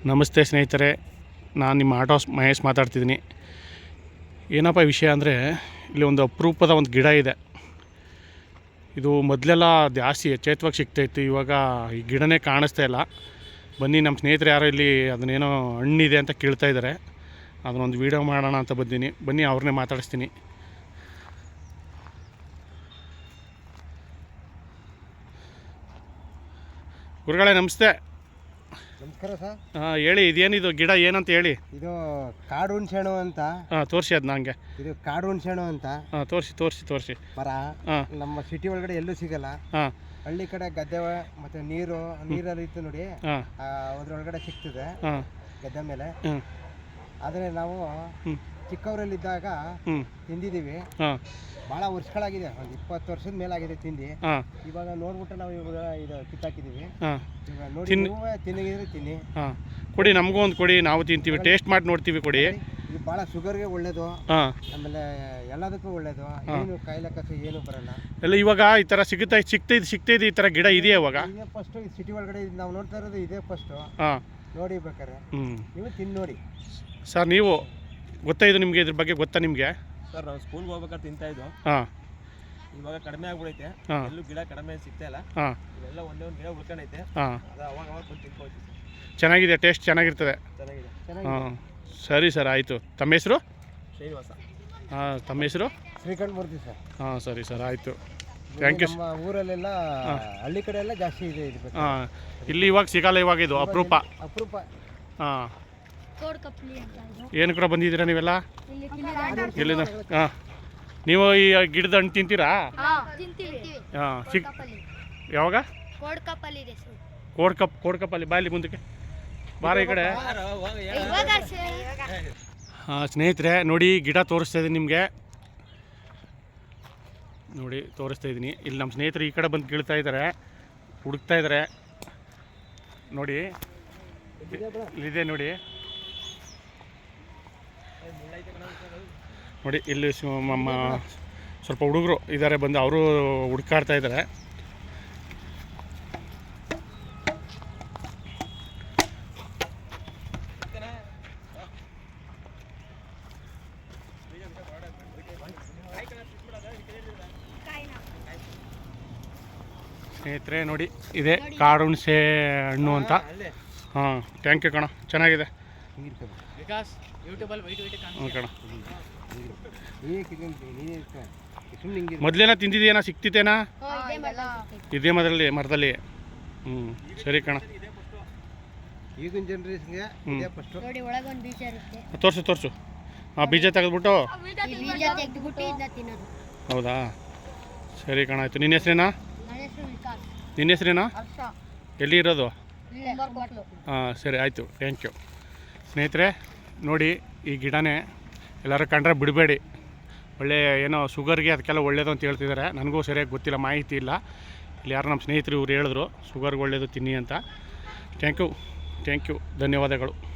ನಮಸ್ತೆ ಸ್ನೇಹಿತರೆ, ನಾನು ನಿಮ್ಮ ಆಟೋ ಮಹೇಶ್ ಮಾತಾಡ್ತಿದ್ದೀನಿ. ಏನಪ್ಪ ವಿಷಯ ಅಂದರೆ, ಇಲ್ಲಿ ಒಂದು ಅಪರೂಪದ ಒಂದು ಗಿಡ ಇದೆ. ಇದು ಮೊದಲೆಲ್ಲ ಜಾಸ್ತಿ ಎಚ್ಚೇತವಾಗಿ ಸಿಗ್ತಾಯಿತ್ತು. ಇವಾಗ ಈ ಗಿಡನೇ ಕಾಣಿಸ್ತಾ ಇಲ್ಲ. ಬನ್ನಿ, ನಮ್ಮ ಸ್ನೇಹಿತರು ಯಾರೋ ಇಲ್ಲಿ ಅದನ್ನೇನೋ ಹಣ್ಣಿದೆ ಅಂತ ಕೇಳ್ತಾ ಇದ್ದಾರೆ. ಅದನ್ನೊಂದು ವೀಡಿಯೋ ಮಾಡೋಣ ಅಂತ ಬಂದೀನಿ. ಬನ್ನಿ, ಅವ್ರನ್ನೇ ಮಾತಾಡಿಸ್ತೀನಿ. ಗುರುಗಳೇ ನಮಸ್ತೆ. ನಮಸ್ಕಾರ ಸರ್. ಹೇಳಿ, ಇದೇನಿದು ಗಿಡ ಏನಂತ ಹೇಳಿ. ಇದು ಕಾಡು ಹುಣ್ಸೆಹಣ್ಣು ಅಂತ. ತೋರಿಸಿ ಅದು ನಂಗೆ. ಇದು ಕಾಡು ಹುಣ್ಸೆಹಣ್ಣು ಅಂತ. ತೋರಿಸಿ ಮರ ನಮ್ಮ ಸಿಟಿ ಒಳಗಡೆ ಎಲ್ಲೂ ಸಿಗಲ್ಲ. ಹಳ್ಳಿ ಕಡೆ ಗದ್ದೆ ಮತ್ತೆ ನೀರಲ್ಲಿ ಇತ್ತು ನೋಡಿ, ಅದ್ರೊಳಗಡೆ ಸಿಗ್ತದೆ ಗದ್ದೆ ಮೇಲೆ. ಆದರೆ ನಾವು ಚಿಕ್ಕವರಲ್ಲಿದ್ದಾಗ ತಿಂದಿದ್ದೀವಿ. ಭಾಳ ವರ್ಷಗಳಾಗಿದೆ, ಒಂದು 20 ವರ್ಷದ ಮೇಲಾಗಿದೆ ತಿಂದು. ಇವಾಗ ನೋಡ್ಬಿಟ್ಟು ನಾವು ಇವಾಗ ಇದು ಕಿತ್ತಾಕಿದ್ದೀವಿ. ಇವಾಗ ನೋಡಿ, ತಿನ್ನಿದ್ರೆ ತಿನ್ನಿ. ಕೊಡಿ, ನಮಗೂ ಒಂದು ಕೊಡಿ, ನಾವು ತಿಂತೀವಿ, ಟೇಸ್ಟ್ ಮಾಡಿ ನೋಡ್ತೀವಿ. ಕೊಡಿ. ಇದು ಭಾಳ ಶುಗರ್ಗೆ ಒಳ್ಳೇದು, ಆಮೇಲೆ ಎಲ್ಲದಕ್ಕೂ ಒಳ್ಳೇದು. ಏನು ಕಾಯಿಲೆ ಕಸ ಏನು ಬರಲ್ಲ. ಎಲ್ಲ ಇವಾಗ ಈ ಥರ ಸಿಗ್ತೈತೆ ಈ ಥರ ಗಿಡ ಇದೆಯಾ ಇವಾಗ? ಇದೇ ಫಸ್ಟು ಸಿಟಿ ಒಳಗಡೆ ನಾವು ನೋಡ್ತಾ ಇರೋದು ಇದೇ ಫಸ್ಟು. ನೋಡಿ ಬೇಕಾರೆ ನೀವು ತಿಂದು ನೋಡಿ. ಸರ್, ನೀವು ಗೊತ್ತಾ ಇದು ನಿಮಗೆ? ಇದ್ರ ಬಗ್ಗೆ ಗೊತ್ತಾ ನಿಮಗೆ? ಸರ್, ನಾವು ಸ್ಕೂಲ್ಗೆ ಹೋಗ್ಬೇಕಾದ್ರೆ ತಿಂತಾ ಇದ್ದು. ಇವಾಗ ಕಡಿಮೆ ಆಗ್ಬಿಡೈತೆ, ಎಲ್ಲೂ ಗಿಡ ಕಡಿಮೆ ಸಿಗ್ತಾ ಇಲ್ಲ. ಇವೆಲ್ಲ ಒಂದೇ ಒಂದು ಗಿಡ ಉಳ್ಕೊಂಡೈತೆ. ಅದು ಅವಾಗ ಬಂದು ತಿನ್ಕೋತೀವಿ. ಚೆನ್ನಾಗಿದೆ, ಟೇಸ್ಟ್ ಚೆನ್ನಾಗಿರ್ತದೆ. ಸರಿ ಸರ್, ಆಯಿತು. ತಮ್ಮ ಹೆಸರು? ಶ್ರೀನಿವಾಸ. ತಮ್ಮ ಹೆಸರು? ಶ್ರೀಕಂಠ ಮೂರ್ತಿ ಸರ್. ಸರಿ ಸರ್, ಆಯಿತು. Thank you. ನಮ್ಮ ಊರಲ್ಲೆಲ್ಲ ಹಳ್ಳಿ ಕಡೆ ಎಲ್ಲ ಜಾಸ್ತಿ ಇದೆ ಇದು. ಇಲ್ಲಿ ಇವಾಗ ಸಿಗಲ್ಲ, ಇವಾಗ ಇದು ಅಪರೂಪ. ಏನು ಕೂಡ ಬಂದಿದ್ದೀರಾ ನೀವೆಲ್ಲ? ಎಲ್ಲಿಂದ? ನೀವು ಈ ಗಿಡದ ಹಣ್ಣು ತಿಂತೀರಾ? ಯಾವಾಗ? ಕೋಡ್ಕಪ್ಪಲ್ಲಿ ಬಾಯಲ್ಲಿ ಮುಂದಕ್ಕೆ ಬಾರ ಈ ಕಡೆ. ಸ್ನೇಹಿತರೆ ನೋಡಿ, ಗಿಡ ತೋರಿಸ್ತಾ ಇದ್ದೀನಿ ನಿಮಗೆ. ನೋಡಿ, ತೋರಿಸ್ತಾ ಇದ್ದೀನಿ. ಇಲ್ಲಿ ನಮ್ಮ ಸ್ನೇಹಿತರು ಈ ಕಡೆ ಬಂದು ಕೀಳ್ತಾ ಇದ್ದಾರೆ, ಹುಡುಕ್ತಾ ಇದ್ದಾರೆ. ನೋಡಿ, ಇಲ್ಲಿದೆ ನೋಡಿ. ನೋಡಿ, ಇಲ್ಲಿ ನಮ್ಮ ಸ್ವಲ್ಪ ಹುಡುಗರು ಇದ್ದಾರೆ, ಬಂದು ಅವರು ಹುಡುಕಾಡ್ತಾ ಇದ್ದಾರೆ. ಸ್ನೇಹಿತರೆ ನೋಡಿ, ಇದೆ ಕಾಡು ಹುಣಸೆ ಹಣ್ಣು ಅಂತ. ಥ್ಯಾಂಕ್ ಯು ಕಣ, ಚೆನ್ನಾಗಿದೆ ಕಣ. ಮೊದಲೇನ ತಿಂದಿದ್ದೇನಾ? ಸಿಕ್ತಿತ್ತೇನಾ ಇದೇ ಮರದಲ್ಲಿ? ಸರಿ ಕಣ. ಈಗಿನ ಜನರೇಷನ್ಗೆ ತೋರಿಸು. ಬೀಜ ತೆಗೆದ್ಬಿಟ್ಟು. ಹೌದಾ, ಸರಿ ಕಣ, ಆಯಿತು. ನಿನ್ನ ಹೆಸರೇನಾ? ಎಲ್ಲಿ ಇರೋದು? ಸರಿ, ಆಯಿತು. Thank you. ಸ್ನೇಹಿತರೆ ನೋಡಿ, ಈ ಗಿಡನೇ ಎಲ್ಲರೂ ಕಂಡ್ರೆ ಬಿಡಬೇಡಿ. ಒಳ್ಳೆ ಏನೋ ಶುಗರ್ಗೆ ಅದಕ್ಕೆಲ್ಲ ಒಳ್ಳೇದು ಅಂತ ಹೇಳ್ತಿದ್ದಾರೆ. ನನಗೂ ಸರಿಯಾಗಿ ಗೊತ್ತಿಲ್ಲ, ಮಾಹಿತಿ ಇಲ್ಲ. ಇಲ್ಲಿ ಯಾರು ನಮ್ಮ ಸ್ನೇಹಿತರು ಇವ್ರು ಹೇಳಿದ್ರು ಶುಗರ್ಗೆ ಒಳ್ಳೇದು ತಿನ್ನಿ ಅಂತ. ಥ್ಯಾಂಕ್ ಯು, ಧನ್ಯವಾದಗಳು.